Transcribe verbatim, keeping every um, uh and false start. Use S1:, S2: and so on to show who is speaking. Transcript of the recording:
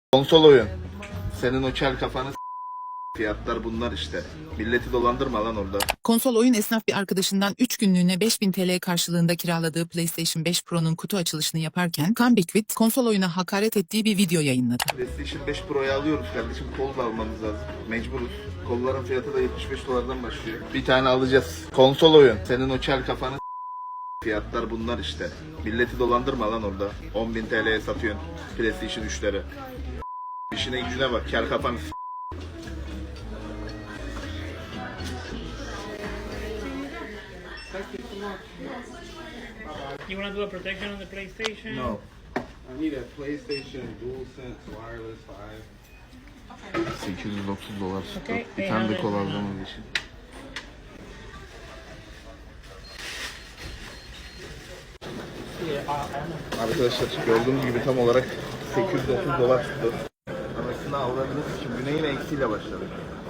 S1: Konsol oyun. Senin o kel kafanı s- fiyatlar bunlar işte. Milleti dolandırma lan orada.
S2: Konsol oyun esnaf bir arkadaşından üç günlüğüne beş bin T L karşılığında kiraladığı PlayStation beş Pro'nun kutu açılışını yaparken Comeback konsol oyuna hakaret ettiği bir video yayınladı.
S1: PlayStation beş Pro'yu alıyoruz kardeşim. Kol da almamız lazım. Mecburuz. Kolların fiyatı da yetmiş beş dolardan başlıyor. Bir tane alacağız. Konsol oyun. Senin o kel kafanı s- fiyatlar bunlar işte. Milleti dolandırma lan orada. on bin T L'ye satıyorsun PlayStation üçleri. İşine gücüne bak. Kel kafanı s-
S3: You want to do a protection on the PlayStation?
S1: No.
S4: I need a PlayStation DualSense Wireless five.
S1: sekiz yüz otuz dolar.
S3: Okay,
S1: Bir tane de
S3: eight
S1: kol
S3: hundred.
S1: alacağımız için. Arkadaşlar gördüğünüz gibi tam olarak sekiz yüz otuz dolar tuttu. Anasını avradınız için güne yine eksiyle başladık.